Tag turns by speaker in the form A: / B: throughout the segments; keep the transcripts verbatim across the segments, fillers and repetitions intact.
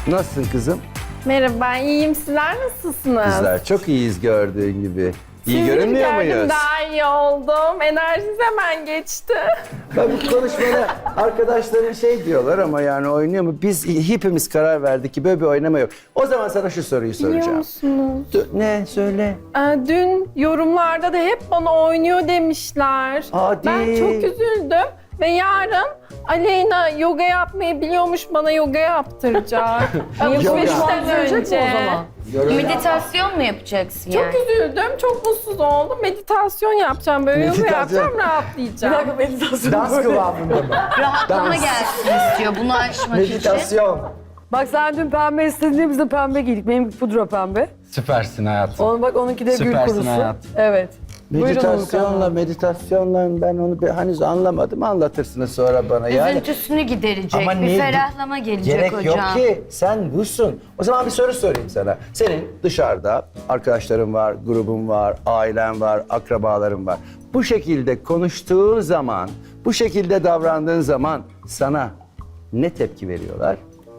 A: Nasılsın kızım?
B: Merhaba, iyiyim. Sizler nasılsınız?
A: Bizler çok iyiyiz gördüğün gibi. İyi
B: Sizi
A: görünmüyor
B: gördüm,
A: muyuz?
B: daha iyi oldum. Enerjiniz hemen geçti.
A: Ben bu konuşmada arkadaşların şey diyorlar ama yani oynuyor mu? Biz hepimiz karar verdik ki böyle bir oynama yok. O zaman sana şu soruyu
B: Biliyor
A: soracağım.
B: musunuz?
A: Dü- Ne? Söyle.
B: Ee, dün yorumlarda da hep bana oynuyor demişler.
A: Hadi.
B: Ben çok üzüldüm. Ve yarın Aleyna yoga yapmayı biliyormuş, bana yoga yaptıracak. Alışverişten önce.
C: Meditasyon mu yapacaksın
B: Çok
C: yani?
B: üzüldüm, çok mutsuz oldum. Meditasyon yapacağım, böyle yoga
A: Meditasyon.
B: yapacağım, rahatlayacağım.
D: meditasyon.
A: Dans kıvamında mı?
C: Rahatlama
A: Dans.
C: gelsin istiyor bunu aşmak için.
A: Meditasyon.
D: Bak sen dün pembe istedin, biz de pembe giydik. Benim pudra pembe.
E: Süpersin hayatım.
D: Onun bak onunki de gül
E: Süpersin
D: kurusu.
E: hayatım.
D: Evet. Buyurun
A: Meditasyonla,
D: Nurkan.
A: meditasyonla ben onu bir, henüz anlamadım. Anlatırsınız sonra bana. Yani
C: Üzüntüsünü giderecek,
A: Ama
C: bir
A: niye-
C: ferahlama gelecek
A: gerek
C: hocam.
A: yok ki. Sen busun. O zaman bir soru sorayım sana. Senin dışarıda arkadaşların var, grubun var, ailen var, akrabaların var. Bu şekilde konuştuğun zaman, bu şekilde davrandığın zaman sana ne tepki veriyorlar?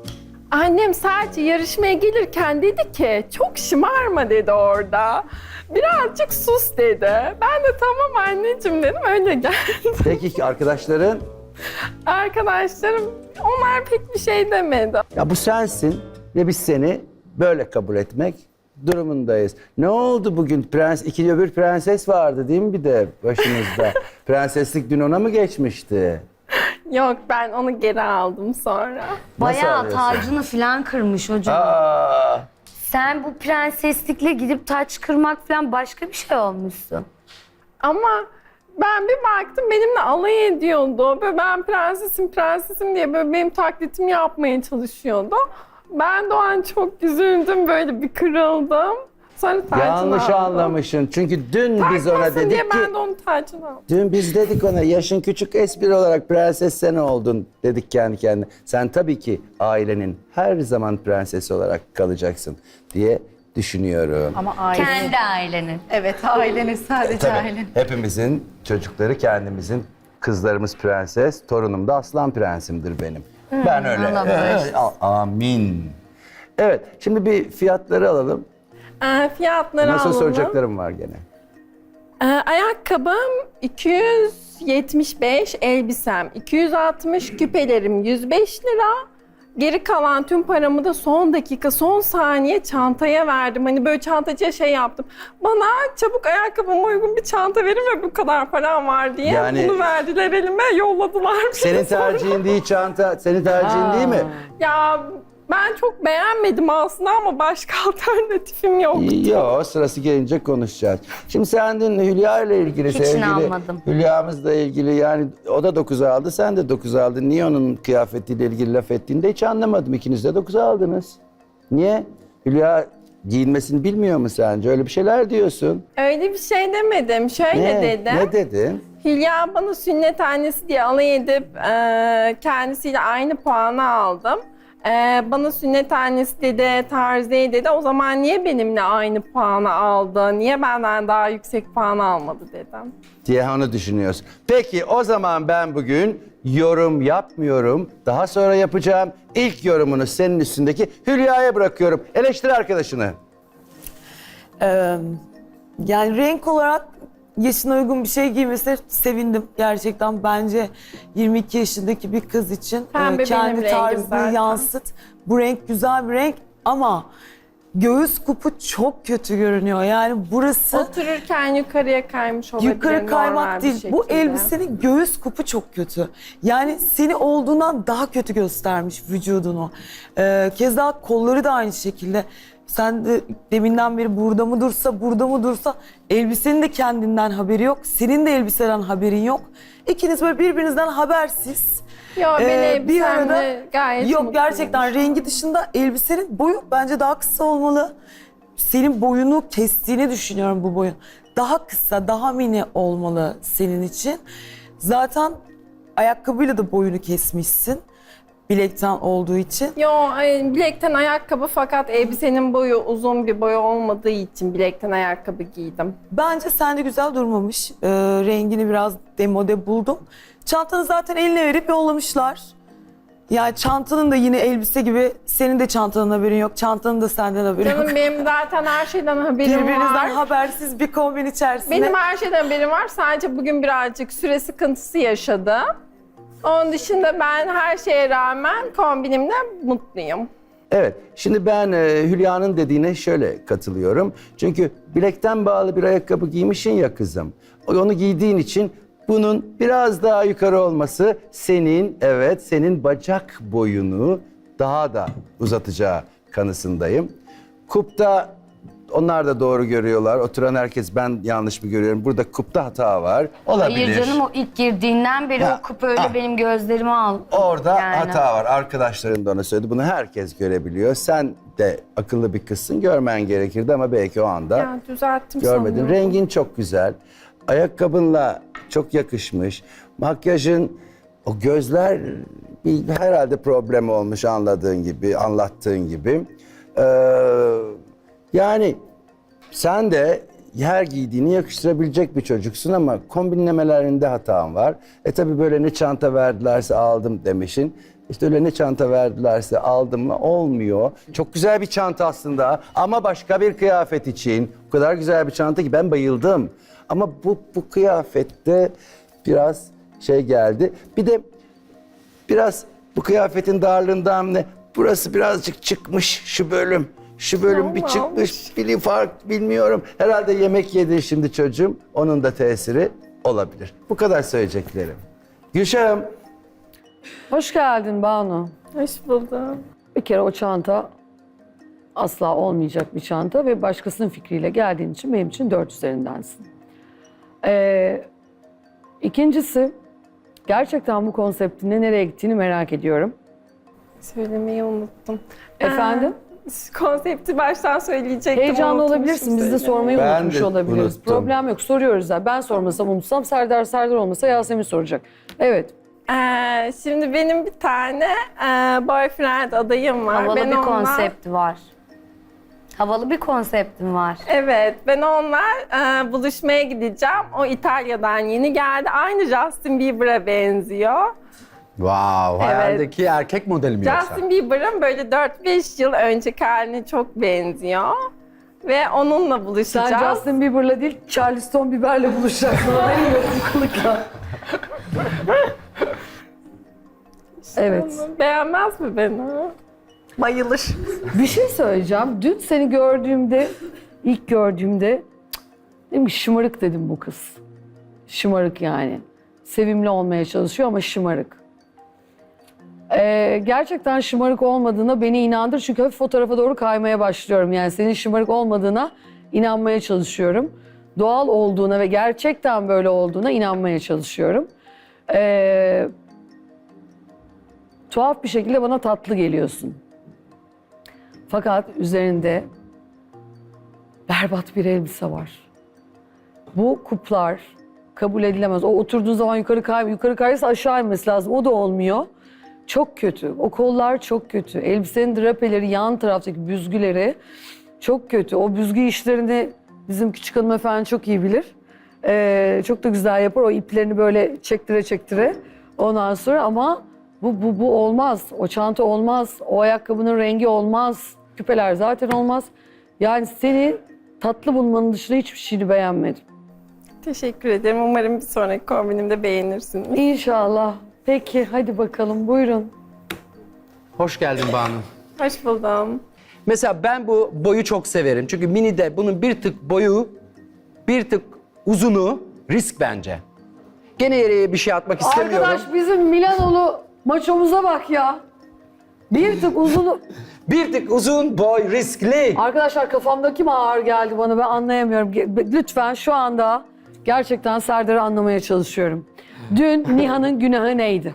B: Annem sadece yarışmaya gelirken dedi ki çok şımarma dedi orada. Birazcık sus dedi. Ben de tamam anneciğim dedim, öyle geldi.
A: Peki arkadaşların?
B: Arkadaşlarım onlar pek bir şey demedi.
A: Ya bu sensin ve biz seni böyle kabul etmek durumundayız. Ne oldu bugün? Prens, iki öbür prenses vardı değil mi bir de başımızda? Prenseslik dün ona mı geçmişti?
B: Yok, ben onu geri aldım sonra.
C: Bayağı
A: alıyorsun?
C: tacını falan kırmış hocam.
A: Aa,
C: Sen bu prenseslikle gidip taç kırmak falan başka bir şey olmuşsun.
B: Ama ben bir baktım benimle alay ediyordu. Böyle ben prensesim prensesim diye böyle benim taklitimi yapmaya çalışıyordu. Ben de o an çok üzüldüm, böyle bir kırıldım. Sonra tacını
A: yanlış
B: aldım.
A: anlamışsın. Çünkü dün biz ona
B: Takmasın diye
A: dedik ki...
B: ben de onun tacını aldım.
A: Dün biz dedik ona yaşın küçük, espri olarak prenses sen oldun dedik kendi kendine. Sen tabii ki ailenin her zaman prensesi olarak kalacaksın diye düşünüyorum.
F: Ama aile.
C: Kendi ailenin.
F: Evet, ailenin sadece
A: Tabii
F: ailenin.
A: hepimizin çocukları kendimizin, kızlarımız prenses, torunum da aslan prensimdir benim. ben öyle.
C: Allah bağışlasın.
A: Evet, a- amin. Evet, şimdi bir fiyatları alalım.
B: Ee, fiyatları
A: Nasıl
B: alalım.
A: soracaklarım var gene.
B: Ee, ayakkabım iki yüz yetmiş beş, elbisem iki yüz altmış, küpelerim yüz beş lira. Geri kalan tüm paramı da son dakika, son saniye çantaya verdim. Hani böyle çantacıya şey yaptım. Bana çabuk ayakkabıma uygun bir çanta verin ve bu kadar param var diye.
A: Yani-
B: Bunu verdiler elime, yolladılar. beni
A: Senin
B: sonra.
A: tercihin değil çanta, senin tercihin değil mi?
B: Ya ben çok beğenmedim aslında ama başka alternatifim yok.
A: Yok, sırası gelince konuşacağız. Şimdi sen dün Hülya ile ilgili
C: Hiç
A: sevgili
C: inanmadım.
A: Hülya'mızla ilgili yani o da dokuz aldı, sen de dokuz aldın. Niye onun kıyafetiyle ilgili laf ettiğinde hiç anlamadım. İkiniz de dokuz aldınız. Niye? Hülya giyinmesini bilmiyor mu sence? Öyle bir şeyler diyorsun.
B: Öyle bir şey demedim. Şöyle
A: Ne?
B: dedim.
A: Ne dedin?
B: Hülya bana sünnet annesi diye alay edip e, kendisiyle aynı puanı aldım. E, bana sünnet annesi dedi, Tarziye dedi. O zaman niye benimle aynı puanı aldı? Niye benden daha yüksek puan almadı dedim.
A: Diye onu düşünüyorsun. Peki o zaman ben bugün yorum yapmıyorum. Daha sonra yapacağım. İlk yorumunu senin üstündeki Hülya'ya bırakıyorum. Eleştir arkadaşını.
D: Ee, yani renk olarak yaşına uygun bir şey giymesine sevindim. Gerçekten bence yirmi iki yaşındaki bir kız için
B: Pembe
D: e, kendi
B: benim rengim
D: tarzını
B: zaten.
D: yansıt. Bu renk güzel bir renk ama göğüs kupu çok kötü görünüyor. Yani burası
B: Otururken yukarıya kaymış olabilir.
D: yukarı
B: normal
D: kaymak
B: bir
D: değil. Bu
B: şekilde.
D: elbisenin göğüs kupu çok kötü. Yani seni olduğundan daha kötü göstermiş vücudunu. Ee, keza kolları da aynı şekilde. Sen de deminden beri burada mı dursa, burada mı dursa elbisenin de kendinden haberi yok. Senin de elbiseden haberin yok. İkiniz böyle birbirinizden habersiz.
B: Yo, ben
D: Ee,
B: elbisemle gayet
D: yok
B: mutluyum.
D: gerçekten rengi dışında elbisenin boyu bence daha kısa olmalı. Senin boyunu kestiğini düşünüyorum bu boyun. Daha kısa, daha mini olmalı senin için. Zaten ayakkabıyla da boyunu kesmişsin. Bilekten olduğu için.
B: Yo, ay, bilekten ayakkabı fakat elbisenin boyu uzun bir boy olmadığı için bilekten ayakkabı giydim.
D: Bence sende güzel durmamış. Ee, rengini biraz demode buldum. Çantanı zaten eline verip yollamışlar. Yani çantanın da yine elbise gibi senin de çantanın haberin yok. Çantanın da senden haberin
B: Canım
D: yok.
B: benim zaten her şeyden haberim
D: Birbirinizden
B: var.
D: habersiz bir kombin içerisinde.
B: Benim her şeyden haberim var. Sadece bugün birazcık süre sıkıntısı yaşadı. Onun dışında ben her şeye rağmen kombinimle mutluyum.
A: Evet, şimdi ben e, Hülya'nın dediğine şöyle katılıyorum. Çünkü bilekten bağlı bir ayakkabı giymişsin ya kızım. Onu giydiğin için bunun biraz daha yukarı olması senin, evet, senin bacak boyunu daha da uzatacağı kanısındayım. Kupta onlar da doğru görüyorlar. Oturan herkes ben yanlış mı görüyorum? Burada kupta hata var. Olabilir.
C: Hayır canım, o ilk girdiğinden beri
A: Ya,
C: o kupa öyle
A: ah.
C: benim gözlerimi al.
A: Orada
C: Yani.
A: hata var. Arkadaşların da ona söyledi. Bunu herkes görebiliyor. Sen de akıllı bir kızsın. Görmen gerekirdi ama belki o anda
B: Ya düzelttim
A: görmedin.
B: sanıyorum.
A: Rengin çok güzel. Ayakkabınla çok yakışmış. Makyajın, o gözler bir, herhalde problem olmuş anladığın gibi, anlattığın gibi. Ee, yani sen de her giydiğini yakıştırabilecek bir çocuksun ama kombinlemelerinde hatan var. E tabi böyle ne çanta verdilerse aldım demişin. İşte öyle ne çanta verdilerse aldım mı olmuyor. Çok güzel bir çanta aslında ama başka bir kıyafet için. O kadar güzel bir çanta ki ben bayıldım. Ama bu, bu kıyafette biraz şey geldi. Bir de biraz bu kıyafetin darlığından ne? Burası birazcık çıkmış şu bölüm. Şu bölüm bir
B: Olmamış.
A: çıkmış, bir fark bilmiyorum. Herhalde yemek yedi şimdi çocuğum. Onun da tesiri olabilir. Bu kadar söyleyeceklerim. Gülşah'ım,
E: Hoş geldin Banu.
B: Hoş buldum.
E: Bir kere o çanta asla olmayacak bir çanta ve başkasının fikriyle geldiğin için benim için dört üzerindensin. Ee, ikincisi, gerçekten bu konseptin de nereye gittiğini merak ediyorum.
B: Söylemeyi unuttum.
E: Efendim?
B: Ee, konsepti baştan söyleyecektim.
E: Heyecanlı
B: unutmuşum
E: olabilirsin, biz de
B: söylemeyi.
E: sormayı
A: Ben
E: unutmuş
A: de
E: olabiliriz.
A: unuttum.
E: Problem yok, soruyoruz ya. Ben sormasam unutsam, Serdar Serdar olmasa Yasemin soracak. Evet.
B: Ee, şimdi benim bir tane e, boyfriend adayım var.
C: Havalı
B: Ben
C: bir
B: onunla-
C: konsepti var. Havalı bir konseptim var.
B: Evet, ben onunla e, buluşmaya gideceğim. O İtalya'dan yeni geldi. Aynı Justin Bieber'a benziyor.
F: Wow, hayaldeki erkek modeli mi yoksa?
B: Justin Bieber'ın böyle dört beş yıl önceki haline çok benziyor. Ve onunla buluşacağız.
E: Sen Justin Bieber'la değil, Charleston Bieber'le buluşacaksın. Haberin yok bu kılıkla. Evet.
B: Beğenmez mi beni? Bayılır.
E: Bir şey söyleyeceğim. Dün seni gördüğümde, ilk gördüğümde cık, dedim ki şımarık dedim bu kız. Şımarık yani. Sevimli olmaya çalışıyor ama şımarık. Ee, gerçekten şımarık olmadığına beni inandır. Çünkü hafif fotoğrafa doğru kaymaya başlıyorum. Yani senin şımarık olmadığına inanmaya çalışıyorum. Doğal olduğuna ve gerçekten böyle olduğuna inanmaya çalışıyorum. Ee, tuhaf bir şekilde bana tatlı geliyorsun. Fakat üzerinde berbat bir elbise var. Bu kuplar kabul edilemez. O oturduğun zaman yukarı kay, yukarı kayarsa aşağı inmesi lazım. O da olmuyor. Çok kötü. O kollar çok kötü. Elbisenin drapeleri, yan taraftaki büzgüleri çok kötü. O büzgü işlerini bizim küçük hanımefendi çok iyi bilir. Ee, çok da güzel yapar. O iplerini böyle çektire çektire. Ondan sonra ama bu, bu, bu olmaz. O çanta olmaz. O ayakkabının rengi olmaz. Küpeler zaten olmaz. Yani seni tatlı bulmanın dışında hiçbir şeyini beğenmedim.
B: Teşekkür ederim. Umarım bir sonraki kombinimde beğenirsiniz.
E: İnşallah. Peki hadi bakalım buyurun.
F: Hoş geldin Banu.
B: Hoş buldum.
F: Mesela ben bu boyu çok severim. Çünkü minide bunun bir tık boyu, bir tık uzunu risk bence. Gene yere bir şey atmak istemiyorum.
E: Arkadaş bizim Milanolu maçomuza bak ya. Bir tık uzun...
F: Bir tık uzun boy riskli.
E: Arkadaşlar kafamdaki mi ağır geldi bana ben anlayamıyorum. Ge- Lütfen şu anda gerçekten Serdar'ı anlamaya çalışıyorum. Dün Nihan'ın günahı neydi?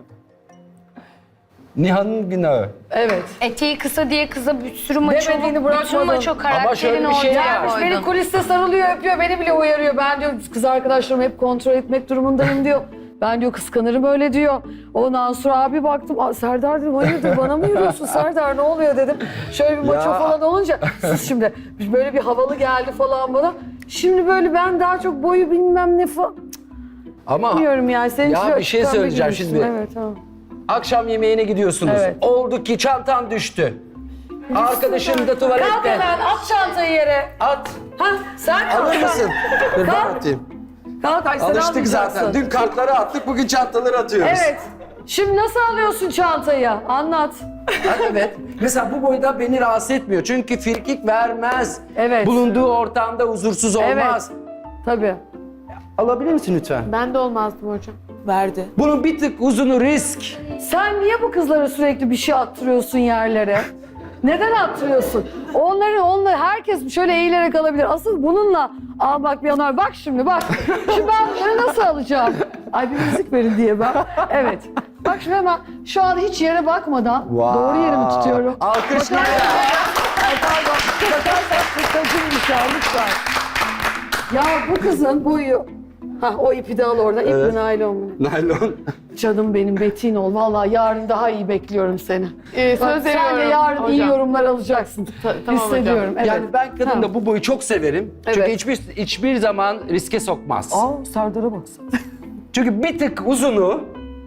F: Nihan'ın günahı.
E: Evet.
C: Eteği kısa diye kıza bir sürü maço,
E: Demediğini
C: bütün
E: bırakmadın.
C: maço
F: Ama
C: karakterini
F: şöyle bir şey
C: ortaya
F: var.
E: Gelmiş
C: koydun.
E: beni kuliste sarılıyor öpüyor beni bile uyarıyor. Ben diyor kız arkadaşlarımı hep kontrol etmek durumundayım diyor. Ben diyor kıskanırım öyle diyor. Ondan sonra abi baktım "Aa, Serdar dedim hayırdır bana mı yürüyorsun Serdar ne oluyor dedim. Şöyle bir maço
A: Ya.
E: falan olunca siz şimdi böyle bir havalı geldi falan bana. Şimdi böyle ben daha çok boyu bilmem ne falan.
F: Ama
E: Bilmiyorum yani senin
F: Ya
E: için
F: bir şey
E: pembe
F: söyleyeceğim
E: giymişsin.
F: şimdi.
E: Evet tamam.
F: Akşam yemeğine gidiyorsunuz.
E: Evet.
F: Oldu ki çantan düştü. Arkadaşın da
E: Kalk
F: tuvalette.
E: hemen at çantayı yere.
F: At.
E: Ha sen kalk.
F: Alır mısın? Dur ben
E: Kalk.
F: atayım.
E: Kalk ay sen
F: Alıştık zaten.
E: almayacaksın.
F: Dün kartları attık, bugün çantaları atıyoruz.
E: Evet. Şimdi nasıl alıyorsun çantayı? Anlat.
F: Ha, evet. Mesela bu boyda beni rahatsız etmiyor. Çünkü firkik vermez.
E: Evet.
F: Bulunduğu ortamda huzursuz olmaz.
E: Tabii.
F: Alabilir misin lütfen?
G: Ben de olmazdım hocam.
D: Verdi.
F: Bunun bir tık uzunu risk.
E: Sen niye bu kızlara sürekli bir şey attırıyorsun yerlere? Neden attırıyorsun? Onları, onları herkes şöyle eğilerek alabilir. Asıl bununla, aa bak bir yanar, bak şimdi bak. Şimdi ben bunları nasıl alacağım? Ay bir müzik verin diye ben. Evet. Bak şimdi hemen şu an hiç yere bakmadan doğru yerimi tutuyorum.
F: Alkışlar.
E: Ay pardon. Bakarsak tacımmış ya lütfen. Ya bu kızın boyu... Ha o ipi de al orada. İp mi naylon mu?
F: Naylon.
E: Canım benim Betin ol. Vallahi yarın daha iyi bekliyorum seni.
G: Ee,
E: Bak,
G: söz
E: sen de
G: veriyorum
E: yarın iyi
G: hocam.
E: yorumlar alacaksın.
G: Ta- tamam
E: Hissediyorum. Evet.
F: Yani ben kadında
E: Ha.
F: bu boyu çok severim. Çünkü
E: Evet.
F: hiçbir hiçbir zaman riske sokmaz.
E: Aa Serdar'a baksana.
F: Çünkü bir tık uzunu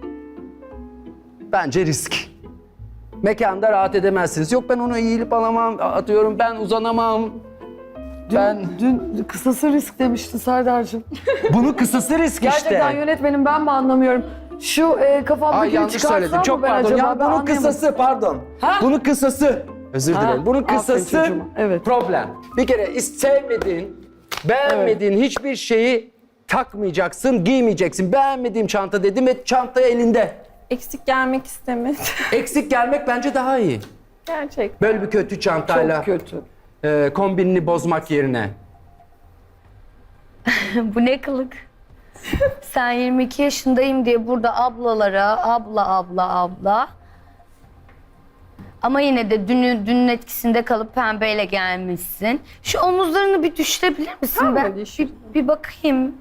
F: bence risk. Mekanda rahat edemezsiniz. Yok ben onu eğilip alamam, atıyorum ben uzanamam.
E: Dün,
F: Ben
E: dün kısası risk demiştin Serdar'cığım.
F: bunun kısası risk
E: Gerçekten
F: işte.
E: yönetmenim ben mi anlamıyorum? Şu e, kafamdakini
F: Ay yanlış
E: çıkartsam
F: söyledim.
E: mı
F: Çok
E: ben
F: pardon.
E: acaba?
F: Ya
E: Ben
F: bunun
E: anlayamadım.
F: kısası pardon.
E: Ha?
F: Bunun kısası. Özür
E: Ha,
F: dilerim. Bunun
E: aferin
F: kısası
E: çocuğuma. Evet.
F: problem. Bir kere is- sevmediğin, beğenmediğin hiçbir şeyi takmayacaksın, giymeyeceksin. Beğenmediğim çanta dedim ve çanta elinde.
B: Eksik gelmek istemedim.
F: Eksik gelmek bence daha iyi.
B: Gerçekten.
F: Böyle bir kötü çantayla
E: Çok kötü.
F: e, kombinini bozmak yerine.
C: Bu ne kılık? Sen yirmi iki yaşındayım diye burada ablalara abla abla abla. Ama yine de dünü, dünün etkisinde kalıp pembeyle gelmişsin. Şu omuzlarını bir düşürebilir misin?
B: Tamam,
C: Ben
B: düşür.
C: bir, bir bakayım.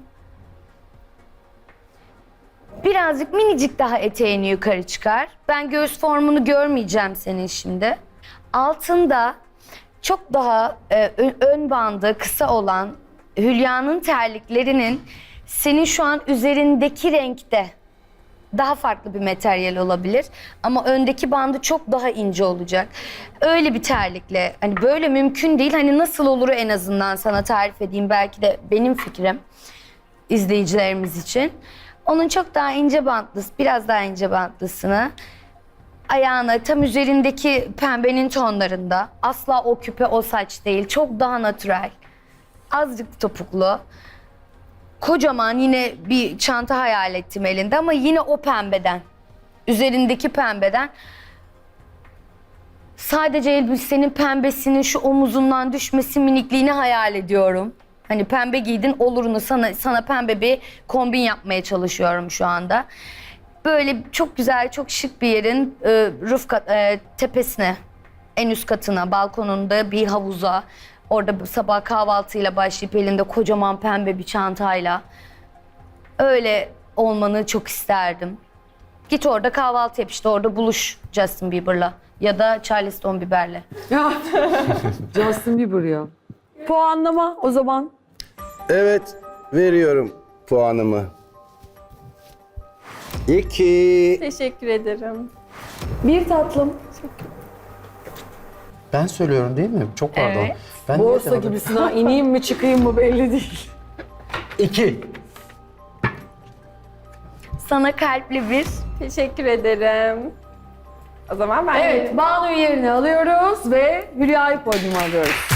C: Birazcık minicik daha eteğini yukarı çıkar. Ben göğüs formunu görmeyeceğim senin şimdi. Altında çok daha e, ön, ön bandı kısa olan Hülya'nın terliklerinin senin şu an üzerindeki renkte daha farklı bir materyal olabilir. Ama öndeki bandı çok daha ince olacak. Öyle bir terlikle hani böyle mümkün değil. Hani nasıl olur en azından sana tarif edeyim. Belki de benim fikrim izleyicilerimiz için. Onun çok daha ince bantlısı, biraz daha ince bantlısını ayağına tam üzerindeki pembenin tonlarında. Asla o küpe, o saç değil. Çok daha natürel. Azıcık topuklu. Kocaman yine bir çanta hayal ettim elinde ama yine o pembeden. Üzerindeki pembeden. Sadece elbisenin pembesinin şu omuzundan düşmesi minikliğini hayal ediyorum. Hani pembe giydin olurunu sana sana pembe bir kombin yapmaya çalışıyorum şu anda. Böyle çok güzel, çok şık bir yerin e, roof kat, e, tepesine, en üst katına, balkonunda bir havuza, orada sabah kahvaltıyla başlayıp elinde kocaman pembe bir çantayla öyle olmanı çok isterdim. Git orada kahvaltı yap işte orada buluş Justin Bieber'la ya da Charleston Bieber'le.
E: Ya Justin Bieber ya. Puanlama o zaman.
A: Evet, veriyorum puanımı. İki.
B: Teşekkür ederim.
E: Bir tatlım.
F: Ben söylüyorum değil mi? Çok pardon.
B: Evet.
F: Ben niye
E: Borsa
F: demedim?
E: gibisin ha. İneyim mi çıkayım mı belli değil.
F: İki.
C: Sana kalpli bir
B: Teşekkür ederim. O zaman ben
E: Evet Banu'yu yerine alıyoruz ve Hülya'yı podyuma alıyoruz.